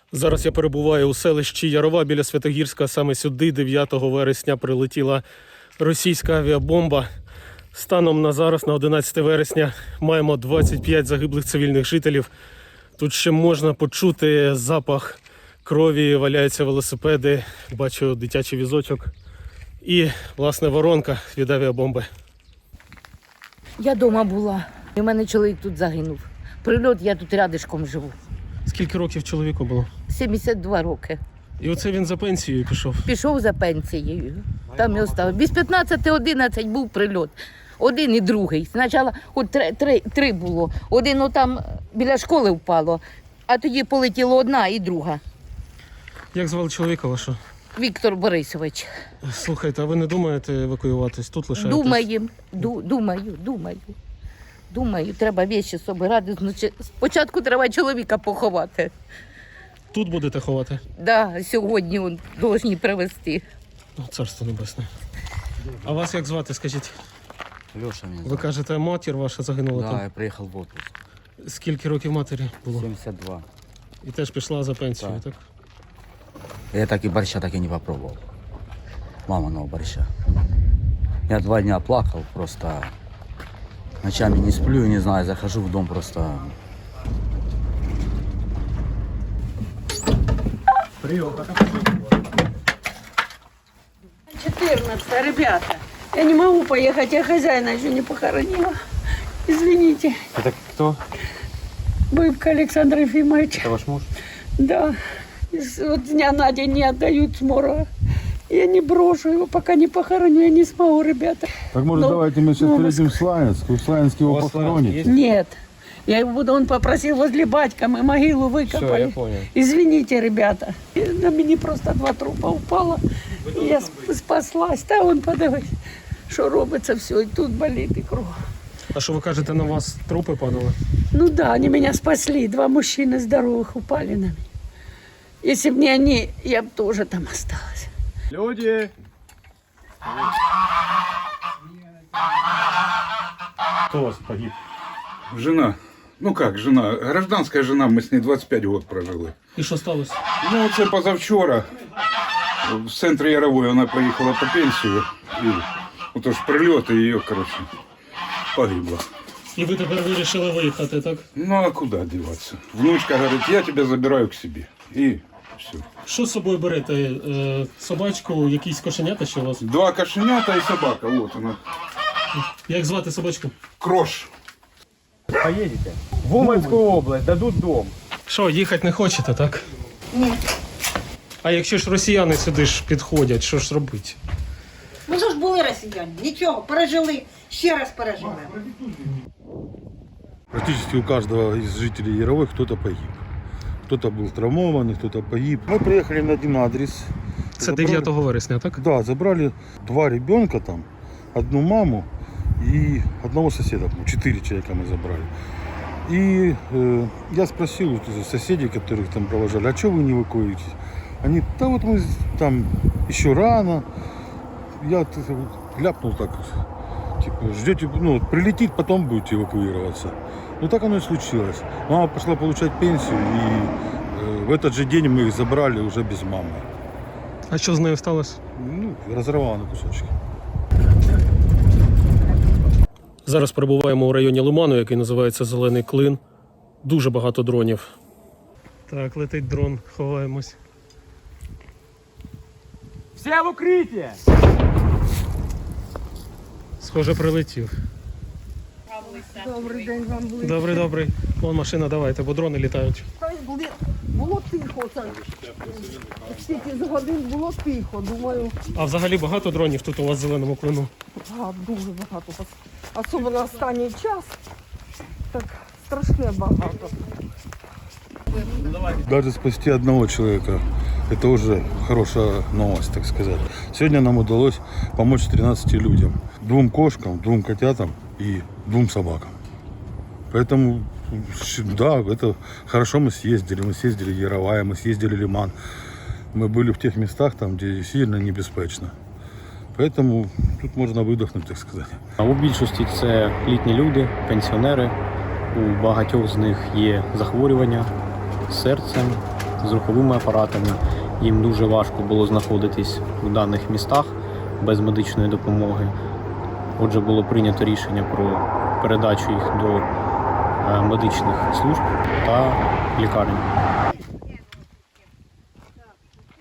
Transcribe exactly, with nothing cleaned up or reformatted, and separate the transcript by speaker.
Speaker 1: Зараз я перебуваю у селищі Ярова біля Святогірська. Саме сюди дев'ятого вересня прилетіла російська авіабомба. Станом на зараз, на одинадцяте вересня, маємо двадцять п'ять загиблих цивільних жителів. Тут ще можна почути запах крові, валяються велосипеди, бачу дитячий візочок і, власне, воронка від авіабомби.
Speaker 2: Я вдома була. У мене чоловік тут загинув. Прильот, я тут рядишком живу.
Speaker 1: Скільки років чоловіку було?
Speaker 2: сімдесят два роки.
Speaker 1: І оце він за пенсією пішов.
Speaker 2: Пішов за пенсією. Там і остав. Без п'ятнадцяти одинадцять був прильот. Один і другий. Спочатку от три, три, три було. Один отам біля школи впало, а тоді полетіло одна і друга.
Speaker 1: Як звали чоловіка вашого?
Speaker 2: Віктор Борисович.
Speaker 1: Слухайте, а ви не думаєте евакуюватись? Тут лишаєтесь?
Speaker 2: Думаю, ду, думаю, думаю. Думаю, треба вещі собирати. Значить, спочатку треба чоловіка поховати.
Speaker 1: Тут будете ховати?
Speaker 2: Да, сьогодні он повинні привезти.
Speaker 1: О, Царство небесне. А вас як звати, скажіть?
Speaker 3: Леша меня
Speaker 1: Ви
Speaker 3: зовут.
Speaker 1: кажете, матір ваша загинула
Speaker 3: Да,
Speaker 1: там?
Speaker 3: я приехал в отпуск.
Speaker 1: Скільки років матері було?
Speaker 3: семьдесят два.
Speaker 1: І теж пішла за пенсію,
Speaker 3: Так.
Speaker 1: так?
Speaker 3: Я так и борща так и не попробовал. Маминого борща. Я два дня плакал, просто ночами не сплю, не знаю, захожу в дом просто.
Speaker 4: четырнадцать, ребята. Я не могу поехать, я хозяина еще не похоронила. Извините.
Speaker 5: Это кто?
Speaker 4: Быбка Александр Ефимович.
Speaker 5: Это ваш муж?
Speaker 4: Да. Из- Вот с дня на день не отдают с морга. Я не брошу его, пока не похороню, я не смогу, ребята.
Speaker 6: Так может
Speaker 4: Ну,
Speaker 6: давайте мы сейчас
Speaker 4: ну,
Speaker 6: приедем в Славянск, в Славянске
Speaker 5: У
Speaker 6: его
Speaker 5: вас
Speaker 6: похоронить.
Speaker 5: есть?
Speaker 4: Нет. Я его буду, он попросил возле батька, мы могилу
Speaker 5: Все,
Speaker 4: выкопали.
Speaker 5: я понял.
Speaker 4: Извините, ребята. И на мне просто два трупа упало. И я сп- спаслась. Та он подивись, що робиться все, і тут болить, і кров.
Speaker 1: А що ви кажете, на вас трупи падали?
Speaker 4: Ну да, они меня спасли. Два мужчины здоровых упали на меня. Если бы не они, я бы тоже там осталась.
Speaker 6: Люди!
Speaker 1: Хто у вас погиб?
Speaker 7: Жена. Ну как, жена? Гражданская жена, мы с ней двадцать пять год прожили.
Speaker 1: І що сталося?
Speaker 7: Ну, це позавчора. В центрі Ярової вона поїхала по пенсію. І отож прильот, і її, коротше, погибла.
Speaker 1: І ви тепер вирішили виїхати, так?
Speaker 7: Ну, а куди діватися? Внучка говорить, я тебе забираю к себе. І все.
Speaker 1: Що з собою берете? Е, собачку, якісь кошенята ще у вас?
Speaker 7: Два кошенята і собака, вот вона.
Speaker 1: Як звати собачку?
Speaker 7: Крош.
Speaker 5: Поедете? В Уманскую область, дадут дом.
Speaker 1: Що, їхати не хочете, так?
Speaker 8: Ні.
Speaker 1: А якщо ж росіяни сюди ж підходять, що ж робити?
Speaker 8: Ну що ж були росіяни? Нічого, пережили, ще раз переживемо.
Speaker 6: Практически у каждого из жителей Яровой кто-то погиб. Кто-то был травмован, кто-то погиб. Мы приехали на один адрес.
Speaker 1: Це
Speaker 6: Забрали-
Speaker 1: дев'ятого вересня, так?
Speaker 6: Да, забрали два ребенка там, одну маму и одного соседа. Четыре человека мы забрали. И э, я спросил у соседей, которых там провожали, а что вы не эвакуируетесь? Они, да вот мы там еще рано. Я т- ляпнул так, типа, ждете, ну, вот прилетит, потом будете эвакуироваться. Ну так оно и случилось. Мама пошла получать пенсию, и э, в этот же день мы их забрали уже без мамы.
Speaker 1: А що з нею сталося?
Speaker 6: Ну, разорвала на кусочки.
Speaker 1: Зараз перебуваємо у районі Лиману, який називається Зелений Клин. Дуже багато дронів. Так, летить дрон, ховаємось.
Speaker 5: Все в укрытие!
Speaker 1: Схоже, прилетів.
Speaker 4: Добрий день вам були.
Speaker 1: Добрий, добрий. Вон машина, давайте, бо дрони літають.
Speaker 4: Було тихо, це. Стільки з годин було тихо, думаю,
Speaker 1: А взагалі багато дронів тут у вас в Зеленому Клину?
Speaker 4: а, дуже багато. Особливо останній час, так страшне багато.
Speaker 6: Даже спасти одного человека, это уже хорошая новость, так сказать. Сегодня нам удалось помочь тринадцати людям. Двум кошкам, двум котятам и двум собакам. Поэтому, да, это хорошо мы съездили. Мы съездили в Яровая, мы съездили в Лиман. Мы были в тех местах, там, где сильно небезпечно. Поэтому тут можна видихнути, так сказати.
Speaker 9: У більшості це літні люди, пенсіонери. У багатьох з них є захворювання з серцем, з руховими апаратами. Їм дуже важко було знаходитись у даних містах без медичної допомоги. Отже, було прийнято рішення про передачу їх до е, медичних служб та лікарень.